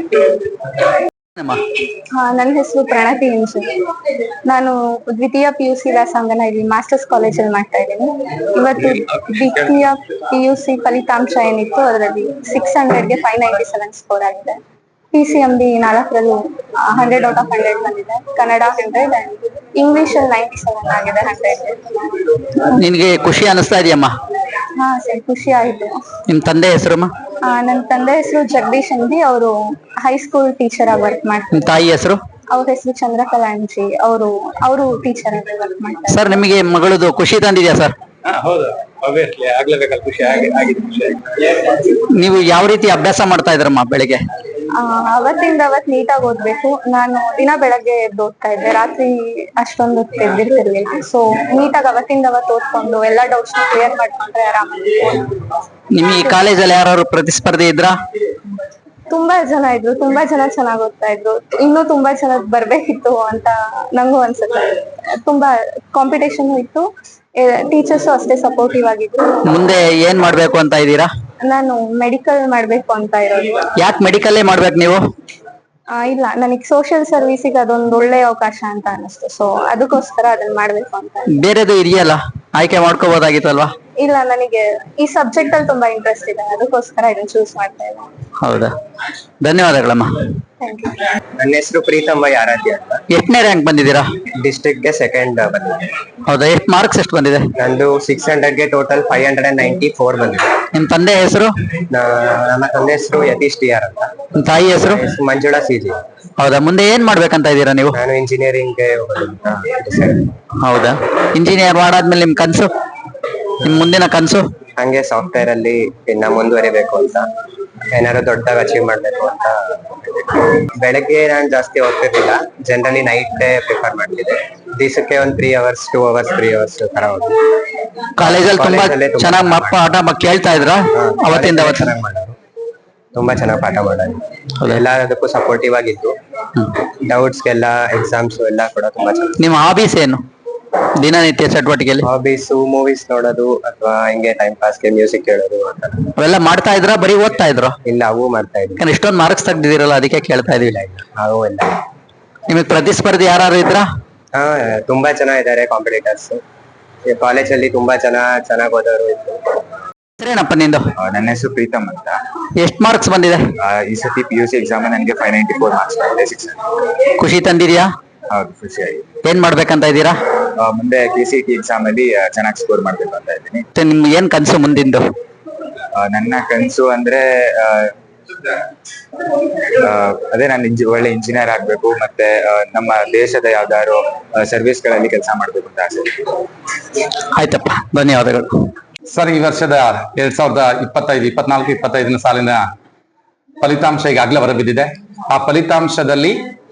ನನ್ನ ಹೆಸರು ಪ್ರಣತಿ ಇಂಜು. ನಾನು ದ್ವಿತೀಯ PUC ವ್ಯಾಸಂಗನ ಇಲ್ಲಿ ಮಾಸ್ಟರ್ಸ್ ಕಾಲೇಜಲ್ಲಿ ಮಾಡ್ತಾ ಇದ್ದೀನಿ. ಇವತ್ತು ದ್ವಿತೀಯ PUC ಫಲಿತಾಂಶ ಏನಿತ್ತು ಅದರಲ್ಲಿ 600ಗೆ 597 ಸ್ಕೋರ್ ಆಗಿದೆ. PCMB 4ರಲ್ಲೂ 100/100 ಬಂದಿದೆ. ಕನ್ನಡ 100 ಅಂಡ್ ಇಂಗ್ಲಿಷ್ ಅಲ್ಲಿ 97 ಆಗಿದೆ 100. ನಿನ್ಗೆ ಖುಷಿ ಅನಿಸ್ತಾ ಇದೆಯಮ್ಮ? ಹಾ ಸರ್, ಖುಷಿ ಆಯ್ತು. ನಿಮ್ ತಂದೆ ಹೆಸರಮ್ಮ? ನನ್ನ ತಂದೆ ಹೆಸರು ಜಗದೀಶ್ ಅಂದಿ. ಅವರು ಹೈಸ್ಕೂಲ್ ಟೀಚರ್ ಆಗಿ ವರ್ಕ್ ಮಾಡ್ತಾರೆ. ನಿಮ್ ತಾಯಿ ಹೆಸರು? ಅವ್ರ ಹೆಸರು ಚಂದ್ರಕಲಾ ಅಂಜಿ. ಅವರು ಟೀಚರ್ ಆಗಿ ವರ್ಕ್ ಮಾಡ್ತಾರೆ. ಸರ್, ನಿಮಗೆ ಮಗಳದು ಖುಷಿ ತಂದಿದ್ಯಾ ಸರ್? ಹೌದು, ಆಗ್ಲೇಬೇಕಲ್ಲ, ಖುಷಿ ಆಗಿದೆ. ನೀವು ಯಾವ ರೀತಿ ಅಭ್ಯಾಸ ಮಾಡ್ತಾ ಇದ್ರಮ್ಮ ಬೆಳಿಗ್ಗೆ? ಅವತ್ತಿಂದ ಅವತ್ತು ನೀಟಾಗಿ ಓದ್ಬೇಕು. ನಾನು ದಿನ ಬೆಳಗ್ಗೆ ಎದ್ದು ಓದ್ತಾ ಇದ್ದೆ, ರಾತ್ರಿ ಅಷ್ಟೊಂದು ತೆಗೆದಿರ್ತಿರ್ಲಿಲ್ಲ. ಸೊ ನೀಟಾಗಿ ಅವತ್ತಿಂದ ಅವತ್ತು ಓದ್ಕೊಂಡು ಎಲ್ಲಾ ಡೌಟ್ಸ್ ಕ್ಲಿಯರ್ ಮಾಡ್ಕೊಂಡ್ರೆ ಆರಾಮಾಗಿ. ನಿಮ್ ಈ ಕಾಲೇಜಲ್ಲಿ ಯಾರು ಪ್ರತಿಸ್ಪರ್ಧಿ ಇದ್ರಾ? ತುಂಬಾ ಜನ ಇದ್ರು, ತುಂಬಾ ಜನ ಚೆನ್ನಾಗಿ ಓದ್ತಾ ಇದ್ರು. ಇನ್ನೂ ತುಂಬಾ ಜನ ಬರ್ಬೇಕಿತ್ತು ಅಂತ ನಂಗೂ ಅನ್ಸುತ್ತೆ. ತುಂಬಾ ಕಾಂಪಿಟೇಷನ್ ಇತ್ತು. ಟೀಚರ್ಸು ಅಷ್ಟೇ ಸಪೋರ್ಟಿವ್ ಆಗಿದ್ರು. ಮುಂದೆ ಏನ್ ಮಾಡ್ಬೇಕು ಅಂತ ಇದ್ದೀರಾ? ನಾನು ಮೆಡಿಕಲ್ ಮಾಡ್ಬೇಕು ಅಂತ ಇರೋದು. ಯಾಕೆ ಮೆಡಿಕಲ್ಲೇ ಮಾಡ್ಬೇಕು ನೀವು? ಇಲ್ಲ, ನನಗೆ ಸೋಷಿಯಲ್ ಸರ್ವಿಸಿಗೆ ಅದೊಂದು ಒಳ್ಳೆ ಅವಕಾಶ ಅಂತ ಅನಿಸ್ತು. ಸೊ ಅದಕ್ಕೋಸ್ಕರ ಅದನ್ನ ಮಾಡ್ಬೇಕು ಅಂತ. ಬೇರೆದು ಇದೆಯಲ್ಲ, ಆಯ್ಕೆ ಮಾಡ್ಕೋಬಹುದಾಗಿತ್ತಲ್ವಾ? ಇಲ್ಲ, ನನಗೆ ಈ ಸಬ್ಜೆಕ್ಟ್ ಅಲ್ಲಿ ತುಂಬಾ ಇಂಟ್ರೆಸ್ಟ್ ಇದೆ, ಅದಕ್ಕೋಸ್ಕರ ಇದನ್ನ ಚೂಸ್ ಮಾಡ್ತಾ ಇದ್ದೀನಿ. ಹೌದಾ, ಧನ್ಯವಾದಗಳಮ್ಮ. ನನ್ನ ಹೆಸರು ಪ್ರೀತಮ್ ಬೈ ಆರಾಧ್ಯ ಅಂತ. ಎಷ್ಟನೇ ರ್ಯಾಂಕ್ ಬಂದಿದ್ದೀರಾ? ಡಿಸ್ಟ್ರಿಕ್ಟ್ ಗೆ ಸೆಕೆಂಡ್ ಬಂದಿದೆ. ಹೌದಾ, ಎಷ್ಟು ಮಾರ್ಕ್ಸ್ ಎಷ್ಟು ಬಂದಿದೆ? ನಂದು 600ಗೆ ಟೋಟಲ್ 594 ಬಂದಿದೆ. ನಿಮ್ ತಂದೆ ಹೆಸರು? ನನ್ನ ತಂದೆ ಹೆಸರು ಯತೀಶ್ TR ಅಂತ. ನಿಮ್ ತಾಯಿ ಹೆಸರು? ಮಂಜುಳಾ CG. ಹೌದಾ, ಮುಂದೆ ಏನ್ ಮಾಡ್ಬೇಕಂತ ಇದ್ದೀರಾ ನೀವು? ನಾನು ಇಂಜಿನಿಯರಿಂಗ್ ಹೌದಾ, ಇಂಜಿನಿಯರ್ ಮಾಡಾದ್ಮೇಲೆ ನಿಮ್ ಕನ್ಸು, ನಿಮ್ ಮುಂದಿನ ಕನ್ಸು? ಹಂಗೆ ಸಾಫ್ಟ್ವೇರ್ ಅಲ್ಲಿ ಇನ್ನ ಮುಂದುವರಿಬೇಕು ಅಂತ, ಏನಾದ್ರು ದೊಡ್ಡದಾಗಿ ಅಚೀವ್ ಮಾಡ್ಬೇಕು ಅಂತ. ಬೆಳಗ್ಗೆ ನಾನು ಜಾಸ್ತಿ ಹೋಗ್ತಿರ್ಲಿಲ್ಲ, ಜನರಲಿ ನೈಟ್ ಪ್ರಿಫರ್ ಮಾಡ್ತಿದ್ದೆ. ದಿವಸಕ್ಕೆ ಒಂದು 3 hours 2 hours 3 hours ತರ ಹೋಗಿ. ಕಾಲೇಜಲ್ಲಿ ತುಂಬಾ ಚೆನ್ನಾಗಿ ಪಾಠ ಕೇಳ್ತಾ ಇದ್ರ? ಅವತ್ತಿಂದ ಚೆನ್ನಾಗಿ ಮಾಡೋರು, ತುಂಬಾ ಚೆನ್ನಾಗಿ ಪಾಠ ಮಾಡೋದು. ಎಲ್ಲದಕ್ಕೂ ಸಪೋರ್ಟಿವ್ ಆಗಿದ್ದು, ಡೌಟ್ಸ್ಗೆಲ್ಲ ಎಕ್ಸಾಮ್ಸ್ ಎಲ್ಲ ಕೂಡ ತುಂಬಾ ಚೆನ್ನಾಗಿ. ನಿಮ್ಮ ಹಾಬೀಸ್ ಏನು ದಿನನಿತ್ಯ ಚಟುವಟಿಕೆಯಲ್ಲಿ? ಹಾಬೀಸ್ ಮೂವೀಸ್ ನೋಡೋದು, ಅಥವಾ ಹಿಂಗೆ ಟೈಮ್ ಪಾಸ್ಗೆ ಮ್ಯೂಸಿಕ್ ಕೇಳೋದು. ಅವೆಲ್ಲ ಮಾಡ್ತಾ ಇದ್ರ? ಬರೀ ಓದ್ತಾ ಇದ್ರು? ಇಲ್ಲ, ಅವು ಮಾಡ್ತಾ ಇದ್ವಿ. ಇಷ್ಟೊಂದು ಮಾರ್ಕ್ಸ್ ತೆಗ್ದಿದಿರಲ್ಲ, ಅದಕ್ಕೆ ಕೇಳ್ತಾ ಇದೀವಿ. ಅವು ಇಲ್ಲ. ನಿಮಗ್ ಪ್ರತಿಸ್ಪರ್ಧಿ ಯಾರು ಇದ್ರ? ಹಾ, ತುಂಬಾ ಜನ ಇದಾರೆ ಕಾಂಪಿಟೇಟರ್ಸ್. ಕಾಲೇಜಲ್ಲಿ ತುಂಬಾ ಚೆನ್ನಾಗಿ ಓದೋರು ಇದ್ರು. ಏನಪ್ಪ ನಿಂದು? ನನ್ನ ಹೆಸರು ಪ್ರೀತಮ್ ಅಂತ. ಎಷ್ಟು ಮಾರ್ಕ್ಸ್ ಬಂದಿದೆ ಈ ಸತಿ PUC ಎಕ್ಸಾಮ್ ನನಗೆ 594 ಮಾರ್ಕ್ಸ್ ಬಂದಿದೆ. 600. ಖುಷಿ ತಂದಿದ್ಯಾ? ಹೌದು, ಖುಷಿಯಾಗಿ. ಏನ್ ಮಾಡ್ಬೇಕಂತ ಇದ್ದೀರಾ? ಮುಂದೆ KCET ಎಕ್ಸಾಮ್ ಅಲ್ಲಿ ಚೆನ್ನಾಗಿ ಸ್ಕೋರ್ ಮಾಡ್ಬೇಕು ಅಂತ ಇದ್ದೀನಿ. ನಿಮ್ಗೆ ಏನ್ ಕನ್ಸು ಮುಂದಿಂದು? ನನ್ನ ಕನ್ಸು ಅಂದ್ರೆ ಅದೇ ನಾನು ಒಳ್ಳೆ ಇಂಜಿನಿಯರ್ ಆಗ್ಬೇಕು, ಮತ್ತೆ ನಮ್ಮ ದೇಶದ ಯಾವ್ದಾದ್ರು ಸರ್ವಿಸ್ ಗಳಲ್ಲಿ ಕೆಲಸ ಮಾಡ್ಬೇಕು ಅಂತ ಆಸೆ. ಆಯ್ತಪ್ಪ, ಧನ್ಯವಾದಗಳು. ಸರ್, ಈ ವರ್ಷದ 2024-25 ಸಾಲಿನ ಫಲಿತಾಂಶ ಈಗಾಗಲೇ ಹೊರಬಿದ್ದಿದೆ. ಆ ಫಲಿತಾಂಶದಲ್ಲಿ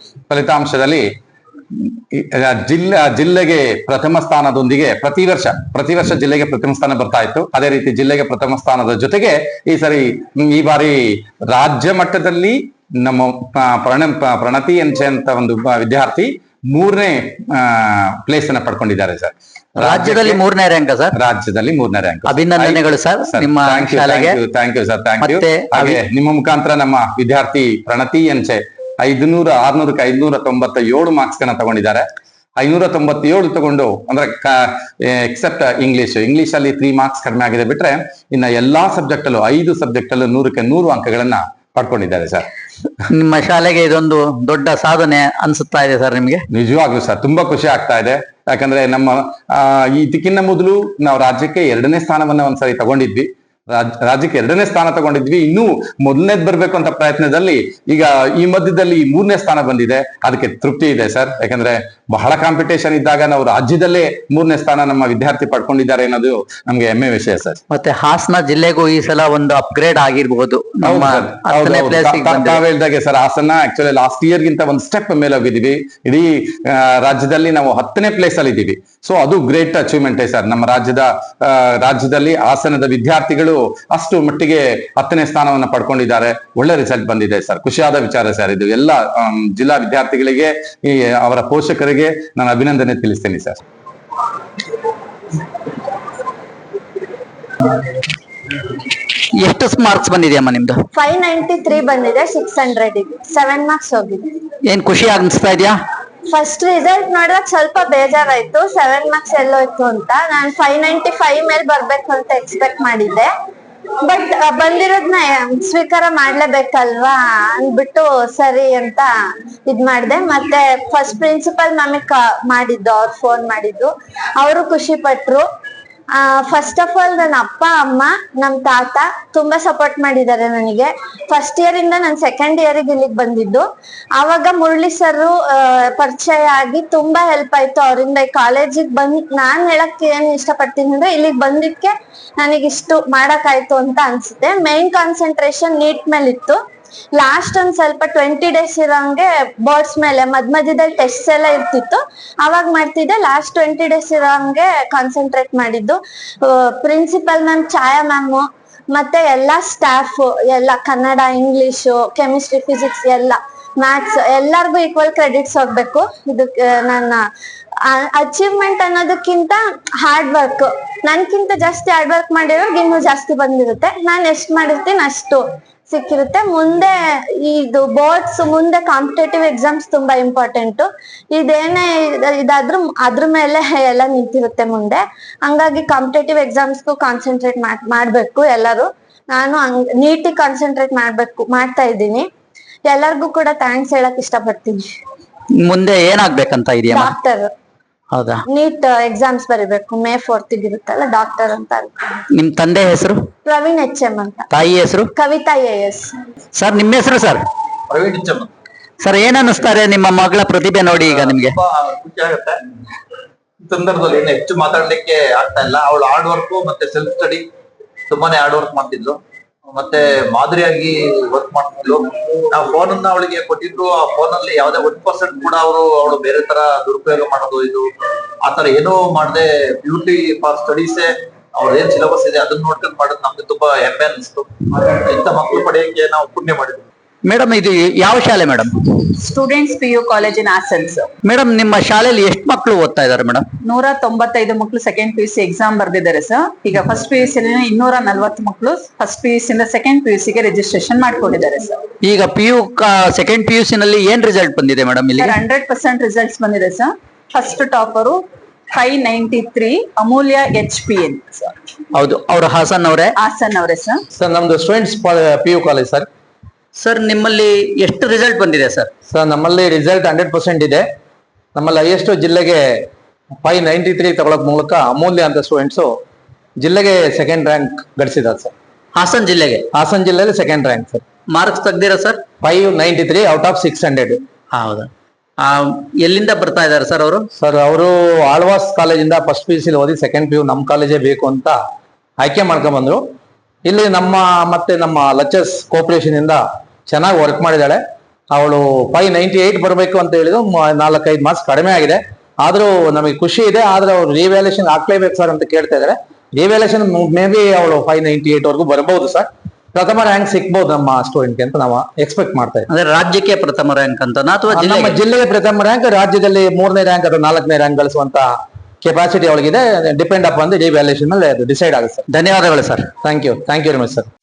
ಜಿಲ್ಲೆಗೆ ಪ್ರಥಮ ಸ್ಥಾನದೊಂದಿಗೆ ಪ್ರತಿ ವರ್ಷ ಜಿಲ್ಲೆಗೆ ಪ್ರಥಮ ಸ್ಥಾನ ಬರ್ತಾ ಇತ್ತು. ಅದೇ ರೀತಿ ಜಿಲ್ಲೆಗೆ ಪ್ರಥಮ ಸ್ಥಾನದ ಜೊತೆಗೆ ಈ ಬಾರಿ ರಾಜ್ಯ ಮಟ್ಟದಲ್ಲಿ ನಮ್ಮ ಪ್ರಣತಿ ಅಂತ ಒಂದು ವಿದ್ಯಾರ್ಥಿ 3ನೇ ಪ್ಲೇಸ್ ಅನ್ನ ಪಡ್ಕೊಂಡಿದ್ದಾರೆ ಸರ್. ರಾಜ್ಯದಲ್ಲಿ 3ನೇ ರ್ಯಾಂಕ್ ಸರ್? ರಾಜ್ಯದಲ್ಲಿ 3ನೇ ರ್ಯಾಂಕ್. ಅಭಿನಂದನೆಗಳು ಸರ್ ನಿಮ್ಮ ಶಾಲೆಗೆ. Thank you sir, thank you. ಹಾಗೆ ನಿಮ್ಮ ಮುಖಾಂತರ ನಮ್ಮ ವಿದ್ಯಾರ್ಥಿ ಪ್ರಣತಿ ಎಂಚೆ 600ಕ್ಕೆ 597 ಮಾರ್ಕ್ಸ್ ಗಳನ್ನ ತಗೊಂಡಿದ್ದಾರೆ. 597 ತಗೊಂಡು, ಅಂದ್ರೆ ಎಕ್ಸೆಪ್ಟ್ ಇಂಗ್ಲಿಷ್ ಅಲ್ಲಿ 3 ಮಾರ್ಕ್ಸ್ ಕಡಿಮೆ ಆಗಿದೆ ಬಿಟ್ರೆ, ಇನ್ನ ಎಲ್ಲಾ ಸಬ್ಜೆಕ್ಟ್ ಅಲ್ಲೂ 5 ಸಬ್ಜೆಕ್ಟ್ ಅಲ್ಲೂ 100ಕ್ಕೆ 100 ಅಂಕಗಳನ್ನ ಪಡ್ಕೊಂಡಿದ್ದಾರೆ ಸರ್. ನಿಮ್ಮ ಶಾಲೆಗೆ ಇದೊಂದು ದೊಡ್ಡ ಸಾಧನೆ ಅನ್ಸುತ್ತಾ ಇದೆ ಸರ್ ನಿಮ್ಗೆ? ನಿಜವಾಗ್ಲೂ ಸರ್, ತುಂಬಾ ಖುಷಿ ಆಗ್ತಾ ಇದೆ. ಯಾಕಂದ್ರೆ ನಮ್ಮ ಇದಕ್ಕಿಂತ ಮೊದಲು ನಾವು ರಾಜ್ಯಕ್ಕೆ 2ನೇ ಸ್ಥಾನವನ್ನ ಒಂದ್ಸರಿ ತಗೊಂಡಿದ್ವಿ. ರಾಜ್ಯಕ್ಕೆ 2ನೇ ಸ್ಥಾನ ತಗೊಂಡಿದ್ವಿ. ಇನ್ನೂ ಮೊದಲನೇದ್ ಬರ್ಬೇಕು ಅಂತ ಪ್ರಯತ್ನದಲ್ಲಿ ಈಗ ಈ ಮಧ್ಯದಲ್ಲಿ 3ನೇ ಸ್ಥಾನ ಬಂದಿದೆ. ಅದಕ್ಕೆ ತೃಪ್ತಿ ಇದೆ ಸರ್. ಯಾಕಂದ್ರೆ ಬಹಳ ಕಾಂಪಿಟೇಷನ್ ಇದ್ದಾಗ ನಾವು ರಾಜ್ಯದಲ್ಲೇ 3ನೇ ಸ್ಥಾನ ನಮ್ಮ ವಿದ್ಯಾರ್ಥಿ ಪಡ್ಕೊಂಡಿದ್ದಾರೆ ಅನ್ನೋದು ನಮ್ಗೆ ಹೆಮ್ಮೆ ವಿಷಯ ಸರ್. ಮತ್ತೆ ಹಾಸನ ಜಿಲ್ಲೆಗೂ ಈ ಸಲ ಒಂದು ಅಪ್ಗ್ರೇಡ್ ಆಗಿರ್ಬಹುದು. ತಾವ್ ಹೇಳ್ದಾಗೆ sir, Hassan actually last year ಗಿಂತ ಒಂದು ಸ್ಟೆಪ್ ಮೇಲೆ ಹೋಗಿದೀವಿ. ಇಡೀ ರಾಜ್ಯದಲ್ಲಿ ನಾವು 10ನೇ ಪ್ಲೇಸ್ ಅಲ್ಲಿ ಇದ್ದೀವಿ. ಸೊ ಅದು ಗ್ರೇಟ್ ಅಚೀವ್ಮೆಂಟ್ ಸರ್. ನಮ್ಮ ರಾಜ್ಯದಲ್ಲಿ ಹಾಸನದ ವಿದ್ಯಾರ್ಥಿಗಳು ಅಷ್ಟು ಮಟ್ಟಿಗೆ 10ನೇ ಸ್ಥಾನವನ್ನ ಪಡ್ಕೊಂಡಿದ್ದಾರೆ. ಒಳ್ಳೆ ರಿಸಲ್ಟ್ ಬಂದಿದೆ ಸರ್. ಖುಷಿಯಾದ ವಿಚಾರ ಸರ್ ಇದು. ಎಲ್ಲ ಜಿಲ್ಲಾ ವಿದ್ಯಾರ್ಥಿಗಳಿಗೆ, ಅವರ ಪೋಷಕರಿಗೆ ನಾನು ಅಭಿನಂದನೆ ತಿಳಿಸ್ತೇನೆ ಸರ್. ಎಷ್ಟು ಮಾರ್ಕ್ಸ್ ಬಂದಿದೆಯಮ್ಮ ನಿಮ್ದು? 593 ಬಂದಿದೆ, 600 ಇದೆ, 7 ಮಾರ್ಕ್ಸ್ ಹೋಗಿದೆ. ಏನ್ ಖುಷಿ ಅನ್ಸ್ತಾ ಇದೆಯಾ? ಫಸ್ಟ್ ರಿಸಲ್ಟ್ ನೋಡಿದಾಗ ಸ್ವಲ್ಪ ಬೇಜಾರಾಯ್ತು, 7 ಮಾರ್ಕ್ಸ್ ಎಲ್ಲೋಯ್ತು ಅಂತ. ನಾನು 595 ಮೇಲೆ ಬರ್ಬೇಕು ಅಂತ ಎಕ್ಸ್ಪೆಕ್ಟ್ ಮಾಡಿದ್ದೆ, ಬಟ್ ಬಂದಿರೋದ್ನ ಸ್ವೀಕಾರ ಮಾಡ್ಲೇಬೇಕಲ್ವಾ ಅಂದ್ಬಿಟ್ಟು ಸರಿ ಅಂತ ಇದ್ ಮಾಡ್ದೆ. ಮತ್ತೆ ಫಸ್ಟ್ ಪ್ರಿನ್ಸಿಪಲ್ ಮ್ಯಾಮಿಗ್ ಮಾಡಿದ್ದು, ಅವ್ರು ಫೋನ್ ಮಾಡಿದ್ದು, ಅವರು ಖುಷಿ ಪಟ್ರು. ಫಸ್ಟ್ ಆಫ್ ಆಲ್ ನನ್ನ ಅಪ್ಪ ಅಮ್ಮ ನಮ್ ತಾತ ತುಂಬಾ ಸಪೋರ್ಟ್ ಮಾಡಿದ್ದಾರೆ ನನಗೆ. ಫಸ್ಟ್ ಇಯರ್ ಇಂದ ನಾನು ಸೆಕೆಂಡ್ ಇಯರ್ಗೆ ಇಲ್ಲಿಗೆ ಬಂದಿದ್ದು. ಆವಾಗ ಮುರಳಿ ಸರ್ ಪರಿಚಯ ಆಗಿ ತುಂಬಾ ಹೆಲ್ಪ್ ಆಯ್ತು ಅವರಿಂದ. ಈ ಕಾಲೇಜಿಗೆ ನಾನ್ ಹೇಳಕ್ ಏನ್ ಇಷ್ಟಪಡ್ತೀನಿ ಅಂದ್ರೆ, ಇಲ್ಲಿಗೆ ಬಂದಿದ್ಕೆ ನನಗಿಷ್ಟು ಮಾಡಕ್ಕಾಯ್ತು ಅಂತ ಅನ್ಸುತ್ತೆ. ಮೈನ್ ಕಾನ್ಸಂಟ್ರೇಷನ್ ನೀಟ್ ಮೇಲೆ ಇತ್ತು. ಲಾಸ್ಟ್ ಒಂದ್ ಸ್ವಲ್ಪ 20 days ಇರೋಂಗೆ ಬೋರ್ಡ್ಸ್ ಮೇಲೆ ಮಧ್ಯದಲ್ಲಿ ಟೆಸ್ಟ್ ಎಲ್ಲ ಇರ್ತಿತ್ತು, ಅವಾಗ ಮಾಡ್ತಿದ್ದೆ. ಲಾಸ್ಟ್ 20 days ಇರೋಂಗೆ ಕಾನ್ಸಂಟ್ರೇಟ್ ಮಾಡಿದ್ದು. ಪ್ರಿನ್ಸಿಪಲ್ ಮ್ಯಾಮ್, ಛಾಯಾ ಮ್ಯಾಮ್, ಮತ್ತೆ ಎಲ್ಲಾ ಸ್ಟಾಫ್ ಎಲ್ಲ, ಕನ್ನಡ, ಇಂಗ್ಲಿಷು, ಕೆಮಿಸ್ಟ್ರಿ, ಫಿಸಿಕ್ಸ್, ಎಲ್ಲ ಮ್ಯಾಥ್ಸ್, ಎಲ್ಲಾರ್ಗು ಈಕ್ವಲ್ ಕ್ರೆಡಿಟ್ಸ್ ಹೋಗ್ಬೇಕು. ಇದಕ್ಕೆ ನನ್ನ ಅಚೀವ್ಮೆಂಟ್ ಅನ್ನೋದಕ್ಕಿಂತ ಹಾರ್ಡ್ ವರ್ಕ್, ನನ್ಕಿಂತ ಜಾಸ್ತಿ ಹಾರ್ಡ್ ವರ್ಕ್ ಮಾಡಿರೋರ್ಗೆ ಇನ್ನೂ ಜಾಸ್ತಿ ಬಂದಿರುತ್ತೆ. ನಾನು ಎಷ್ಟು ಮಾಡಿರ್ತೀನಿ ಅಷ್ಟು ಸಿಕ್ಕಿರುತ್ತೆ. ಮುಂದೆ ಇದು ಬೋರ್ಡ್ಸ್, ಮುಂದೆ ಕಾಂಪಿಟೇಟಿವ್ ಎಕ್ಸಾಮ್ಸ್ ತುಂಬಾ ಇಂಪಾರ್ಟೆಂಟ್. ಇದೇನೇ ಇದಾದ್ರೂ ಅದ್ರ ಮೇಲೆ ಎಲ್ಲ ನಿಂತಿರುತ್ತೆ ಮುಂದೆ. ಹಂಗಾಗಿ ಕಾಂಪಿಟೇಟಿವ್ ಎಕ್ಸಾಮ್ಸ್ಗೂ ಕಾನ್ಸಂಟ್ರೇಟ್ ಮಾಡ್ಬೇಕು ಎಲ್ಲರೂ. ನಾನು ನೀಟಿಗೆ ಕಾನ್ಸಂಟ್ರೇಟ್ ಮಾಡ್ತಾ ಇದ್ದೀನಿ. ಎಲ್ಲರಿಗೂ ಕೂಡ ಥ್ಯಾಂಕ್ಸ್ ಹೇಳಕ್ ಇಷ್ಟಪಡ್ತೀನಿ. ಮುಂದೆ ಏನಾಗ್ಬೇಕಂತ ಇದೆಯಾ? ಡಾಕ್ಟರ್. ಹೌದಾ? ನೀಟ್ ಎಕ್ಸಾಮ್ಸ್ ಬರೀಬೇಕು, May 4th ಇರುತ್ತಲ್ಲ, ಡಾಕ್ಟರ್ ಅಂತ ಅನ್ಕೊಂಡು. ನಿಮ್ ತಂದೆ ಹೆಸರು? ಪ್ರವೀಣ್ HM ಅಂತ. ತಾಯಿ ಹೆಸರು? ಕವಿತಾ AS. ಸರ್ ನಿಮ್ಮ ಹೆಸರು? Sir Praveen HM. ಸರ್ ಏನ್ ಅನ್ನಿಸ್ತಾರೆ ನಿಮ್ಮ ಮಗಳ ಪ್ರತಿಭೆ ನೋಡಿ ಈಗ ನಿಮ್ಗೆ? ಖುಷಿ ಆಗುತ್ತೆ. ಈ ಸಂದರ್ಭದಲ್ಲಿ ಏನು ಹೆಚ್ಚು ಮಾತಾಡ್ಲಿಕ್ಕೆ ಆಗ್ತಾ ಇಲ್ಲ. ಅವಳು ಹಾರ್ಡ್ ವರ್ಕ್ ಮತ್ತೆ ಸೆಲ್ಫ್ ಸ್ಟಡಿ ತುಂಬಾನೇ ಹಾರ್ಡ್ ವರ್ಕ್ ಮಾಡ್ತಿದ್ಲು, ಮತ್ತೆ ಮಾದರಿಯಾಗಿ ವರ್ಕ್ ಮಾಡ್ತಿದ್ಲು. ನಾವು ಫೋನ್ ಅನ್ನ ಅವಳಿಗೆ ಕೊಟ್ಟಿದ್ರು, ಆ ಫೋನ್ ಅಲ್ಲಿ ಯಾವ್ದೇ 1% ಕೂಡ ಅವಳು ಬೇರೆ ತರ ದುರುಪಯೋಗ ಮಾಡೋದು, ಇದು ಆತರ ಏನೂ ಮಾಡದೆ ಬ್ಯೂಟಿ ಫಾರ್ ಸ್ಟಡೀಸೇ ಅವ್ರ ಏನ್ ಸಿಲೆಬಸ್ ಇದೆ ಅದನ್ನ ನೋಡ್ಕೊಂಡು ಮಾಡೋದು ನಮ್ಗೆ ತುಂಬಾ ಹೆಮ್ಮೆ ಅನಿಸ್ತು. ಇಂಥ ಮಕ್ಕಳು ಪಡೆಯಕ್ಕೆ ನಾವು ಪುಣ್ಯ ಮಾಡಿದ್ವಿ. ಮೇಡಮ್ ಇದು ಯಾವ ಶಾಲೆ madam? Students PU college in ಆಸನ್ಸ್. ಮೇಡಮ್ ನಿಮ್ಮ ಶಾಲೆಯಲ್ಲಿ ಎಷ್ಟು ಮಕ್ಕಳು ಓದ್ತಾ ಇದಾರೆ ಮೇಡಮ್? 195 ಮಕ್ಕಳು ಸೆಕೆಂಡ್ PUC ಎಕ್ಸಾಮ್ ಬರ್ದಿದ್ದಾರೆ ಸರ್. ಈಗ ಫಸ್ಟ್ PUC 240 ಮಕ್ಕಳು ಫಸ್ಟ್ PUC ಇಂದ ಸೆಕೆಂಡ್ PUC ಗೆ ರಿಜಿಸ್ಟ್ರೇಷನ್ ಮಾಡ್ಕೊಂಡಿದ್ದಾರೆ ಸರ್. ಈಗ ಸೆಕೆಂಡ್ PUC ನಲ್ಲಿ ಏನ್ ರಿಸಲ್ಟ್ ಬಂದಿದೆ ಮೇಡಮ್? ಇಲ್ಲಿ 100% ರಿಸಲ್ಟ್ಸ್ ಬಂದಿದೆ sir. First topper 593 Amulya HPN sir. ಹೌದು, ಅವರು ಹಾಸನ್ ಅವರೇ? ಹಾಸನ್ ಅವರೇ ಸರ್. ಸರ್ ನಮ್ದು students PU college sir. Sir ನಿಮ್ಮಲ್ಲಿ ಎಷ್ಟು ರಿಸಲ್ಟ್ ಬಂದಿದೆ ಸರ್? ಸರ್ ನಮ್ಮಲ್ಲಿ ರಿಸಲ್ಟ್ 100% ಇದೆ. ನಮ್ಮಲ್ಲಿ ಹೈಯೆಸ್ಟ್ ಜಿಲ್ಲೆಗೆ 593 ತಗೊಳಕ್ ಮೂಲಕ ಅಮೂಲ್ಯ ಅಂತ ಸ್ಟೂಡೆಂಟ್ಸ್ ಜಿಲ್ಲೆಗೆ ಸೆಕೆಂಡ್ ರ್ಯಾಂಕ್ ಗಳಿಸಿದ್ದಾರೆ ಸರ್. ಹಾಸನ್ ಜಿಲ್ಲೆಗೆ? ಹಾಸನ್ ಜಿಲ್ಲೆಯಲ್ಲಿ ಸೆಕೆಂಡ್ ರ್ಯಾಂಕ್ ಸರ್. ಮಾರ್ಕ್ಸ್ ತೆಗ್ದಿರಾ ಸರ್? 593 out of 600. ಹೌದಾ? ಎಲ್ಲಿಂದ ಬರ್ತಾ ಇದಾರೆ ಸರ್ ಅವರು? ಸರ್ ಅವರು ಆಳ್ವಾಸ್ ಕಾಲೇಜಿಂದ ಫಸ್ಟ್ PUC ಓದಿ ಸೆಕೆಂಡ್ PU ನಮ್ಮ ಕಾಲೇಜೇ ಬೇಕು ಅಂತ ಆಯ್ಕೆ ಮಾಡ್ಕೊಂಡ್ ಬಂದ್ರು. ಇಲ್ಲಿ ನಮ್ಮ ಲಚಸ್ ಕೋಪರೇಷನ್ ಇಂದ ಚೆನ್ನಾಗಿ ವರ್ಕ್ ಮಾಡಿದಾಳೆ. ಅವಳು 598 ಬರಬೇಕು ಅಂತ ಹೇಳಿದ್ರು, 4-5 ಮಾರ್ಕ್ಸ್ ಕಡಿಮೆ ಆಗಿದೆ. ಆದ್ರೂ ನಮಗೆ ಖುಷಿ ಇದೆ. ಆದ್ರೆ ಅವ್ರು ರಿವ್ಯಾಲ್ಯೂಷನ್ ಹಾಕ್ಲೇಬೇಕು ಸರ್ ಅಂತ ಕೇಳ್ತಾ ಇದಾರೆ. ರಿವ್ಯಾಲ್ಯೂಷನ್ ಮೇ ಬಿ ಅವಳು 598 ವರೆಗೂ ಬರಬಹುದು ಸರ್. ಪ್ರಥಮ ರ್ಯಾಂಕ್ ಸಿಕ್ಬಹುದು ನಮ್ಮ ಸ್ಟೂಡೆಂಟ್ಗೆ ಅಂತ ನಾವು ಎಕ್ಸ್ಪೆಕ್ಟ್ ಮಾಡ್ತಾ ಇದ್ದೀವಿ. ಅಂದ್ರೆ ರಾಜ್ಯಕ್ಕೆ ಪ್ರಥಮ ರ್ಯಾಂಕ್ ಅಂತ ಅಥವಾ ನಮ್ಮ ಜಿಲ್ಲೆಗೆ ಪ್ರಥಮ ರ್ಯಾಂಕ್, ರಾಜ್ಯದಲ್ಲಿ 3ನೇ ರ್ಯಾಂಕ್ ಅಥವಾ 4ನೇ ರ್ಯಾಂಕ್ ಗಳಿಸುವಂತ ಕೆಪಾಸಿಟಿ ಅವಳಿಗಿದೆ. ಡಿಪೆಂಡ್ ಅಪ್ ಅಂದ್ರೆ ರಿವ್ಯಾಲ್ಯೂಷನ್ ಮೇಲೆ ಅದು ಡಿಸೈಡ್ ಆಗುತ್ತೆ ಸರ್. ಧನ್ಯವಾದಗಳು sir. Thank you very much sir.